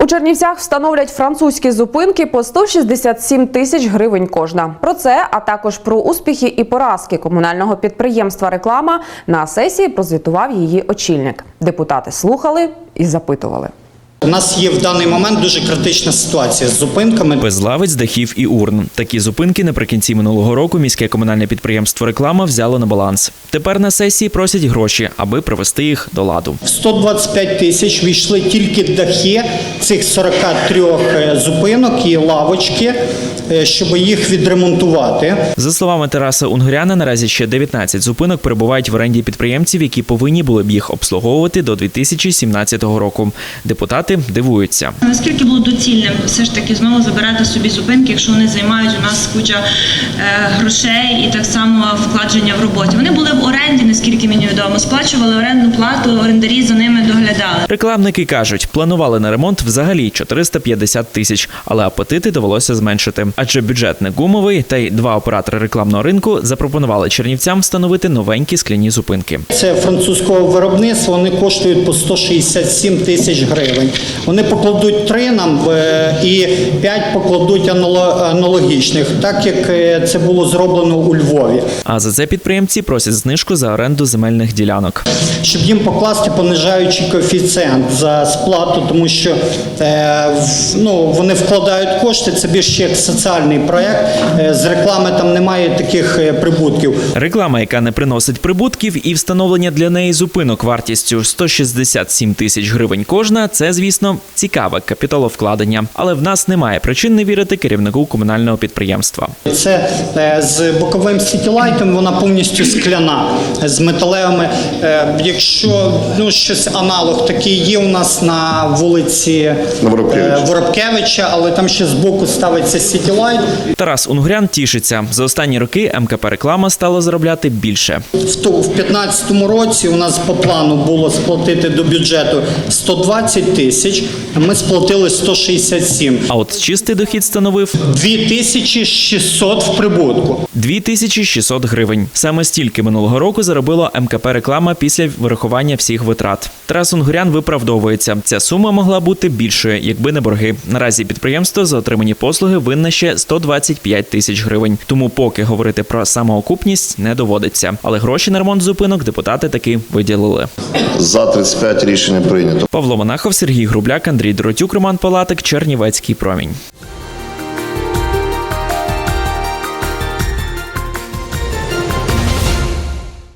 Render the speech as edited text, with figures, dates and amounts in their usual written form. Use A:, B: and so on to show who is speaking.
A: У Чернівцях встановлять французькі зупинки по 167 тисяч гривень кожна. Про це, а також про успіхи і поразки комунального підприємства «Реклама» на сесії прозвітував її очільник. Депутати слухали і запитували.
B: У нас є в даний момент дуже критична ситуація з зупинками.
C: Без лавиць, дахів і урн. Такі зупинки наприкінці минулого року міське комунальне підприємство «Реклама» взяло на баланс. Тепер на сесії просять гроші, аби привести їх до ладу.
B: В 125 тисяч війшли тільки дахи цих 43 зупинок і лавочки, щоб їх відремонтувати.
C: За словами Тараса Унгуряна, наразі ще 19 зупинок перебувають в оренді підприємців, які повинні були б їх обслуговувати до 2017 року. Депутати дивуються.
D: Наскільки було доцільним все ж таки знову забирати собі зупинки, якщо вони займають у нас куча грошей і так само вкладення в роботі. Вони були в оренді, наскільки мені відомо, сплачували орендну плату, орендарі за ними доглядали.
C: Рекламники кажуть, планували на ремонт взагалі 450 тисяч, але апетити довелося зменшити. Адже бюджет не гумовий, та й два оператори рекламного ринку запропонували чернівцям встановити новенькі скляні зупинки.
B: Це французького виробництва, вони коштують по 167 тисяч гривень. Вони покладуть 3 нам і 5 покладуть аналогічних, так як це було зроблено у Львові.
C: А за це підприємці просять знижку за оренду земельних ділянок.
B: Щоб їм покласти понижаючий коефіцієнт за сплату, тому що вони вкладають кошти, це більше як соціальний проєкт, з реклами там немає таких прибутків.
C: Реклама, яка не приносить прибутків, і встановлення для неї зупинок вартістю 167 тисяч гривень кожна – це, звісно, цікаве капіталовкладення. Але в нас немає причин не вірити керівнику комунального підприємства.
B: Це з боковим сітілайтом, вона повністю скляна, з металевими. Якщо щось аналог такий є у нас на вулиці Воробкевича, але там ще збоку ставиться сітілайт.
C: Тарас Унгурян тішиться. За останні роки МКП «Реклама» стало заробляти більше.
B: В 2015 році у нас по плану було сплатити до бюджету 120 тисяч, а ми сплатили 167.
C: А от чистий дохід становив
B: 2600 в прибутку.
C: 2600 гривень. Саме стільки минулого року заробило МКП «Реклама» після вирахування всіх витрат. Тарас Унгурян виправдовується. Ця сума могла бути більшою, якби не борги. Наразі підприємство за отримані послуги винне ще 125 тисяч гривень. Тому поки говорити про самоокупність не доводиться. Але гроші на ремонт зупинок депутати таки виділили.
E: За 35 рішення прийнято.
C: Павло Монахов, Сергій Грубляк, Андрій Доротюк, Роман Палатик, Чернівецький промінь.